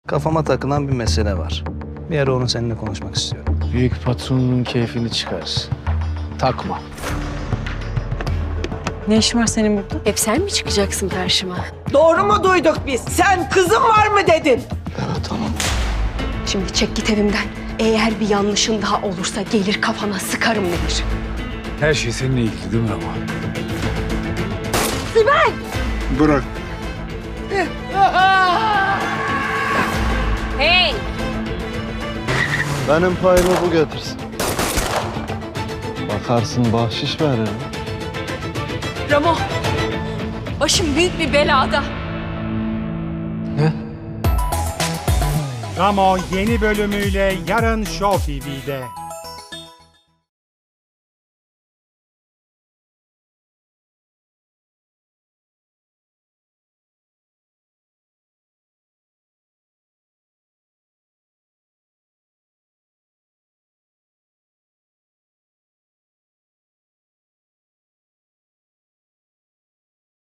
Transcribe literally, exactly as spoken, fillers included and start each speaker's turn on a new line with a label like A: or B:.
A: Kafama takılan bir mesele var. Bir ara onu seninle konuşmak istiyorum.
B: Büyük patronun keyfini çıkar. Takma.
C: Ne işin var senin burada?
D: Hep sen mi çıkacaksın karşıma?
E: Doğru mu duyduk biz? Sen kızım var mı dedin?
D: Şimdi çek git evimden. Eğer bir yanlışın daha olursa gelir kafana sıkarım Nehir.
B: Her şey seninle ilgili değil mi ama?
F: Bırak.
D: Hey!
F: Benim payımı bu getirsin. Bakarsın bahşiş veririm.
D: Ramo! Başım büyük bir belada.
G: Ramo yeni bölümüyle yarın Show T V'de.